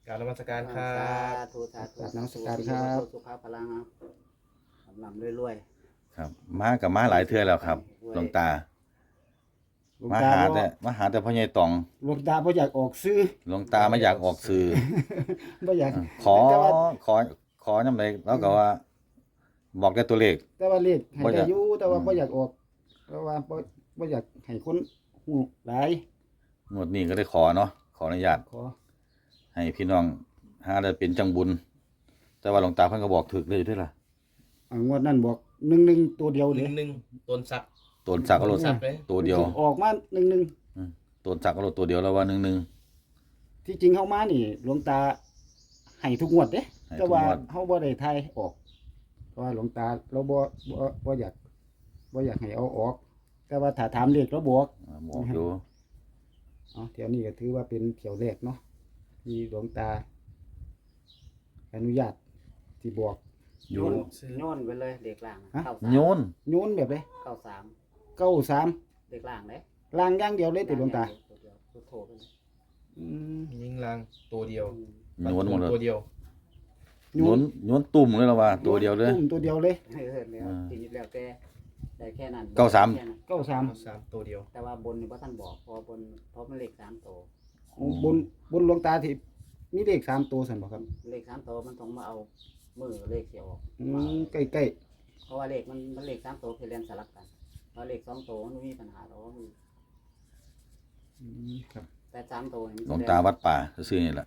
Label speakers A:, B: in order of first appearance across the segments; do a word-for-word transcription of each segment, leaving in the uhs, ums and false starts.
A: กรารนมัสการครั
B: สา
A: บ
B: ธุสาธุ
C: กราบนมัสการครับ
B: สุขภาพพลังลำลำรวย
D: ครับมากับมาหลายเทื่อแล้วครับหลวงตา
C: หลวง
D: มา
C: ตา
D: หา
C: บ่
D: แต่มาหาแต่พ่อใหญ่ตอง
C: หลวงตาบ่อยากออกซื้อ
D: หลวงตาไม่อยากออกสื่อ
C: บ่อยาก
D: ขอ
C: แต่ว่า
D: ขอขอนำเลยแล้วก็ว่า บอกได้ตัวเลข
C: แต่ว่าเลขให้
D: บ่อยา
C: ได้
D: ก
C: อยู่แต่ว่า
D: อืม
C: บ่อยากออกเพราะว่าบ่บ่อยากให้คนฮู้หลาย
D: งวดนี้ก็ได้ขอเนาะขออนุญาต
C: ขอ
D: ให้พี่น้องหาได้เป็นจังบุญ แต่ว่าหลวงตาเพิ่นก็บอกถึกเลยด้วยล่ะ
C: อ่างวดนั้นบอกหนึ่งหนึ่งตัวเดียว
A: ห
C: เด้
A: นึ่งหนึ่งต้นสัก
D: ตนสักก็โลด
A: สักเลย
D: ตัวเดียว
C: ออกมาหนึ่งหนึ่ง
D: ตนสักก็โลดตัวเดียวแล้วว่าหนึ่งหนึ่ง
C: ที่จริงเฮามานี่หลวงตาให้ทุกงวดเด้
D: ให้ทุ
C: แต่
D: ก
C: ว่าง
D: วด
C: เฮาบ่ได้ทายออกเพราะว่าหลวงตาเราบ่บ่บ่อยากบ่อยากให้เอาออก แต่ว่าถ้าถามเลขเราบอก
D: อ่าบอกอยู่
C: อ๋อเที่ยวนี้ก็ถือว่าเป็นเที่ยวแรกเนาะที่หลวงตา อนุญาตที่บอก
B: ๆ
D: อยู่
B: โยนโยนไปเลยเด็กล่าง
C: ฮะ
B: เข้าสาม
D: โยน
C: โยนแบบเลย
B: เข้าสาม
C: เก้าสาม
B: เด็กล่างเลย
C: ล่างอย่างเดียวเลยติดหลวงตา
B: ตัวเดียวตัวโถไปเลย
C: อืม
A: ยิงลางตัวเดียว
B: อืม
D: โยนหมดเลย
A: ตัวเดียว
D: โยนโยนตุ่มเลยแล้วว่า ตัวเดียวเลย
C: ตุ่มตัวเดียวเลย
B: เออแล้ว
D: อ่า
B: ทีนี้แล้วแต่ได้แค่นั้น
D: เก้าสาม
B: แค่นั้น
C: เก้าสาม
A: สามตัวเดียว
B: แต่ว่าบนนี่พ่ท่านบอกเพอบนเพราะมันเลขสามตัว
C: บนบนหลวงตาที่มีเลขสามตัวสันบอกครับ
B: เลขสามตัวมันต้องมาเอามือเลขเสียออก
C: อืมใกล้ใกล้
B: เพราะว่าเลขมันมันเลขสามตัวคือเรียนสลับกันเพราะเลขสองตัวมันไม่มีปัญหาหรอก
C: ๆอืมครับ
B: แต่สามตัวนี่
D: หลวงตาวัดป่าซื่อๆนี่แหละ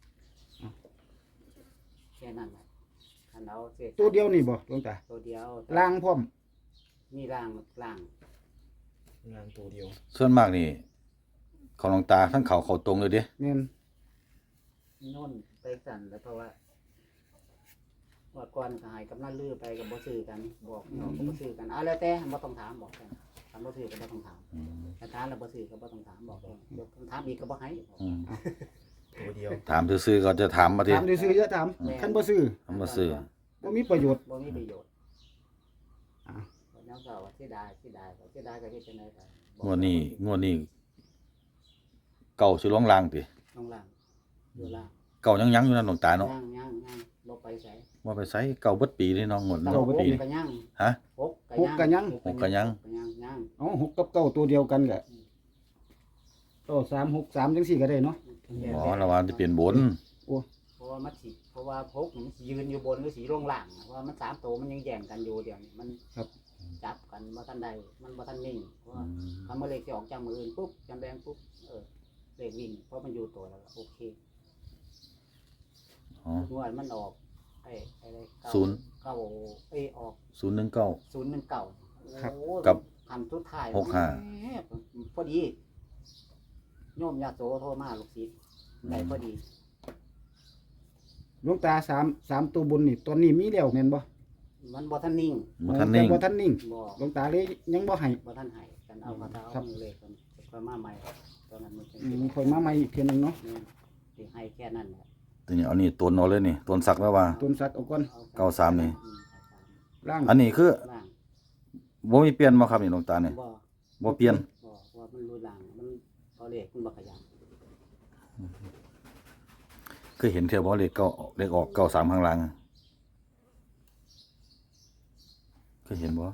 B: แค่นั้นแหละคันเอาเศษ
C: ตัวเดียวนี่บ่หลวงตา
B: ตัวเดียว
C: ล่างพร้อม
B: มีล่างล่าง
A: ลางตัวเดียว
D: ส่วนมากนี่ของหลวงตาทั้งเขาเขาตรงเลยเด้
C: แม่น
B: โน่นไปสั่นแล้วเพราะว่าว่าก่อนก็ใหายกับนั่นลือไปกับบ่ซื้อกันบอกน้องก็บ่ซื้อกันอ่ะแล้วแต่บ่ต้องถามบอกกันถามบ่ซื้อก็บ่ต้องถาม
D: อืม
B: แต่ถามแล้วบ่ซื้อก็บ่ต้องถามบอกเลยเดี๋ยวถามอีกก็บ่ให้บอก
D: อืม
A: ตัวเดียว
D: ถามซื่อๆก็จะถามมาที
C: ถามซื้อๆจะถามคันบ่ซื้อ
D: ทำมาซื้อ
C: บ่มีประโยชน์
B: บ่มีประโยชน์
C: อ่า
B: วันนั้นก็ว่าเสียดายเสียดายเสียดายก็เฮ็ดจังได๋ก็บอก
D: งวดนี้งวดนี้เก่าสิลงลางติ
B: ลงล่างอยู่ล่าง
D: เก่ายังยังอยู่นั่นหลวงตาเนาะ
B: ย่างย่างย่างบ่ไปไส
D: ว่าไปใส่เก่าเบิดปีนี่น้องงวด
B: แต่
D: เนาะ
B: ว่าห
D: ปี
B: ก
D: นี่
B: ก็ย่าง
D: ฮะ
B: หก
C: หกกันยัง
D: หกก็ยัง
B: ก็ย่างย่าง
C: เอ๋อหกกับเก้าตัวเดียวกันก็ก็สามหกสามจังสี่ก็ได้เนาะ
D: อ๋อระวังจะเปลี่ยนบน
B: เพราะว่ามันสิเพราะว่าพกมันสิยืนอยู่บนหรือสีลงล่างเพราะว่ามันสามตัวมันยังแย่งกันอยู่เดี๋ยวนี้มันจับกันบ่ทันใดมันบ่ทันนิ่งเพราะว่าทำมาเลขที่ออกจากมืออื่นปุ๊บจำแดงปุ๊บเออเลขวิ่งเพราะมันอยู่ตัวแล้วก็โอเค
D: อ๋อง
B: วดมันออกไอ้ไอ้เก้า
D: ศูนย์
B: เก้าเอ้ยออก
D: ศูนย์หนึ่งเก้า
B: ศูนย์หนึ่งเก้า
C: ครับ
B: โอ้
D: กับ
B: ทำทุกท้าย
D: หกห้า
B: แหมพอดีโยมญาติโสโทรมาลูกศิษย์ได้พอดี
C: หลวงตาสามสามตัวบนนี่ตอนนี้มีแล้วแม่นบ่
B: มันบ่ทันนิ่ง
D: บ่ทันนิ่ง
C: แต่บ่ทันนิ่ง
B: บ่
C: หลวงตาเลยยังบ่ให้
B: บ่ทันให้กันเอาคาถา
C: ครั
B: เอา
C: บ
B: มือเลขกันค่อยมาใหม่ตอนนั้นมันเป็น
C: อืมค่อยมาใหม่อีกเทียหนึงเนาะ
B: นี่สิให้แค่นั้นแหละ
D: ทีนี้เอานี่ตัวเอาเลยนี่ตัวสักแล้วว่า
C: ต้นสักเอาก่อน
B: อ
D: เก้าสามนี่
B: อืม
C: ล่าง
D: อันนี้คือ
B: เก้าสามล่าง
D: บ่มีเปลี่ยนบ่ครับนี่หลวงตานี่
B: บ่
D: บ่เปลี่ยน
B: บ่ว่ามันรู้ล่างมันเอาเลขมันบ่ขยัน
D: คือเห็นเที่ยวบ่เลขเก้าเลขออกเก้าสามข้างหลังเคยเห็นบ่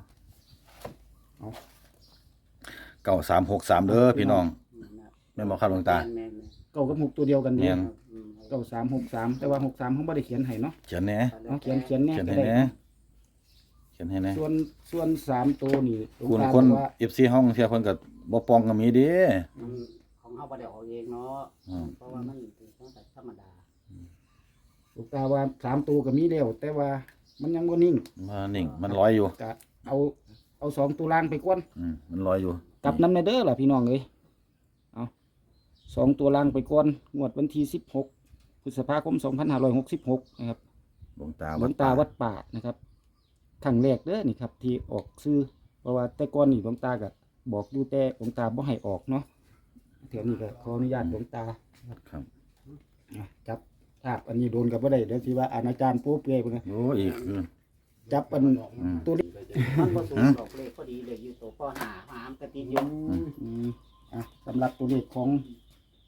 D: เก้าสามหกสามเด้อพี่น้อง
B: อืมนะ
D: แม่นบ่ครับหลวงตา
B: แม่น
C: เก้ากับหกตัวเดียวกัน
D: แม่
C: เด้
D: น
B: ๆอืม
C: เก้าสามหกสามแต่ว่าหกสามเขาบ่ได้เขียนให้เนาะ
D: เขียนแหน่
C: เอาเขียนเขียนแน่
D: เขียน
C: ก็
D: ให้
C: ได้
D: แหน่เขียนให้แหน่
C: ส่วนส่วนสามตัวนี่หลวง
D: คุณ
C: ตา
D: คน
C: บอกว่า
D: เอฟ ซี ห้องเที่ยวเพิ่นก็บ่ปองก็มีเด้
B: มันของเฮาบ่ได้ออกเองเนาะ
D: อืม
B: เพราะว่ามันเป็นของแต่ธรรมดา
C: หลวงตาว่าสามตัวก็มีแล้วแต่ว่ามันยังบ่นิ่ง
D: มานิ่งมันลอยอยู่
C: ก็เอาเอาสองตัวล่างไปก่อน
D: อืมมันลอยอยู่
C: กลับน้ำในเด้อล่ะพี่น้องเอ้ยเอาสองตัวล่างไปก่อนงวดวันที่สิบหกพฤษภาคมสองพันห้าร้อยหกสิบหกนะครับ
D: หลวงตา
C: หลวงตาวัดป่านะครับครั้งแรกเด้อนี่ครับที่ออกซื้อเพราะว่าแต่ก่อนนี่หลวงตาก็บอกอยู่แต่หลวงตาบ่ให้ออกเนาะเดี๋ยวนี้ก็ขออนุญาตหลวงตา
D: ครับ
C: อ่ะจับภาพอันนี้โดนกับบ่ได้เดี๋ยวสิว่าอาณาจารย์โป๊เปื่อยพุ่นนะ
D: โอ้อีกคือ
C: จับอัน
D: อืม
C: ตัวนี้
B: มันบ่สูงดอกเลขพอดีเลยอยู่ตัวปห้าหามกระติดอยู่
C: อืมอ่ะสำหรับตัวเลขของ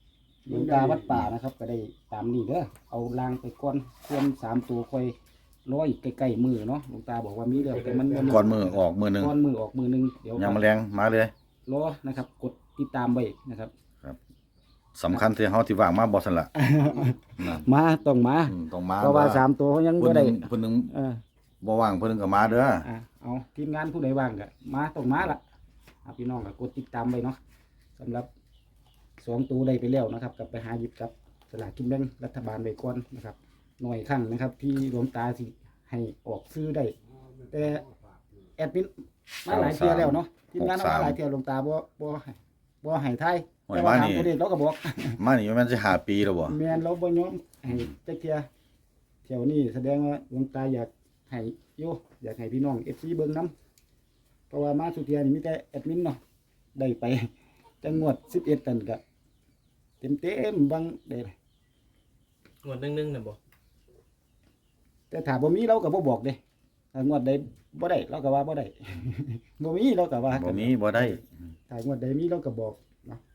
C: หลวงตาวัดป่านะครับ ก็ได้ตามนี้เด้อเอาลางไปก่อนควรสามตัวค่อยร้อยใกล้ๆมือเนาะหลวงตาบอกว่ามีแล้วแต่มันบ่มี
D: ก่อนมือออกมือหนึง
C: ก้อนมือออกมือหนึงเดี๋ยว
D: ยังแมลงมาเลย
C: รอนะครับ กดติดตามไว้นะครับ
D: สำคัญที่เฮาที่ว่างมาบ่ซั่นล่ะนั่น
C: มาต้องมา
D: อืมต้องมา
C: เพราะว่าสามตัวเขายัง
D: เพิ่
C: บ่
D: นห
C: ได้
D: นึงเพิ่นหนึง
C: เออ
D: บ่ว่างเพิ่นหนึงก็มาเด้อ
C: อ่ะเอาทีมงานผู้ใดว่างก็มาต้องมาละอ่ะพี่น้องก็กดติดตามไว้เนาะสำหรับสองตัวได้ไปแล้วนะครับกลับไปหาหยิบกับสลากกินแบ่งรัฐบาลไว้ก่อนนะครับหน่อยครั้งนะครับ ที่หลวงตาสิให้ออกซื้อได้ แต่แอดมินมาหลายเที่ยแล้วเนาะทีมงานเอามาหลายเที่ยหลวงตาบ่บ่ให้บ่ให้ทาย
D: โอ้ย
C: แต่ว่า
D: มา
C: ถาม
D: นี่
C: ตัวเลขเราก็บอก
D: มานี่มันสิห้าปีแล้วบ่
C: แม่นเราบ่ยอมให้จักเที่ยเที่ยวนี้แสดงว่าหลวงตาอยากให้อยู่อยากให้พี่น้อง เอฟ ซี เบิ่งนํเพราะว่ามาสุเที่ยนี่มีแต่แอดมินเนาะได้ไปจังงวดสิบเอ็ดนั่นก็เต็มๆบางได้
A: งวดนึ่งๆน่ะบ่
C: แต่ถ้าบ่มีเราก็บ่บอกเด้ถ้างวดใดบ่ได้เราก็ว่าบ่ได้ บ่มีเราก็ว่า
D: บ่มีบ่ได้
C: ถ้างวดใดมีเราก็บอกเนาะ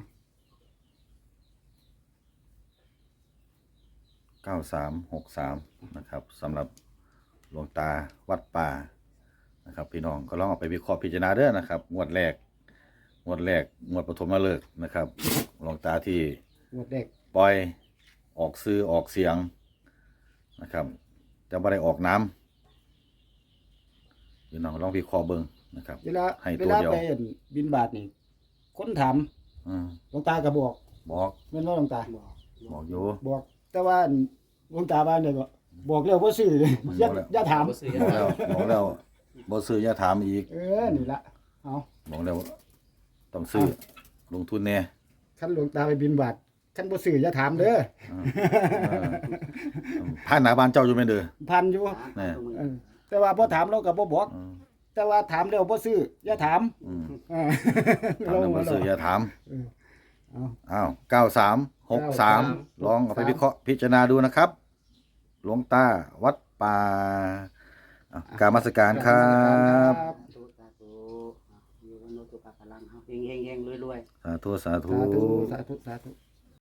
D: เก้าสามหกสามนะครับสำหรับหลวงตาวัดป่านะครับ พี่น้องก็ลองเอาไปวิเคราะห์พิจารณาเด้อนะครับงวดแรกงวดแรกงวดปฐมฤกษ์นะครับหลวงตาที่
C: งวดแรก
D: ปล่อยออกซื้อออกเสียงนะครับแต่บ่ได้ออกน้ำพี่น้องลองวิเคราะห์เบิ่งนะครับ
C: เวลา
D: ให้
C: เว
D: ตัว
C: ลา
D: เดียว
C: ไปอั่นบินบาทนี่คนถาม
D: อืม
C: หลวงตาก็บอก
D: บอก
C: แม่นบ่หลวงตา
B: บอก
D: บอกอยู่
C: บอก แต่ว่าหลวงตาบ้านเนี่ยก็บอกแล้วบ่ซื้อเลยอย่า
D: บอกแล้ว
C: อย่าถาม
A: บ่ซื้อ
D: บอกแล้วบอกแล้วบ่ซื้ออย่าถามอีก
C: เออนี่ละเอา
D: บอกแล้วต้องซื้อลงทุนแน่
C: คันหลวงตาไปบินบาทคันบ่ซื้ออย่าถามเด้อ
D: เออเออผ่านหน้าบ้านเจ้าอยู่แม่นเด้อ
C: พันอยู่
D: แน่
C: เออแต่ว่าบ่ถามเราก็บ่บอก
D: อืม
C: แต่ว่าถามแล้วบ่ซื้ออย่าถาม
D: อืม
C: เออ
D: ถามแล้วบ่ซื้ออย่าถาม
C: เออเอา
D: อ้าวเก้าสามหกสามลองเอาไปวิเคราะห์พิจารณาดูนะครับ หลวงตาวัดป่าอ่ะกรารมาสการครับ
B: สาธุสาธุอยู่บนโลกุตตะพลังเฮาเฮงๆๆรวยๆ
D: สาธุสาธุ
C: สาธุสาธุสาธุ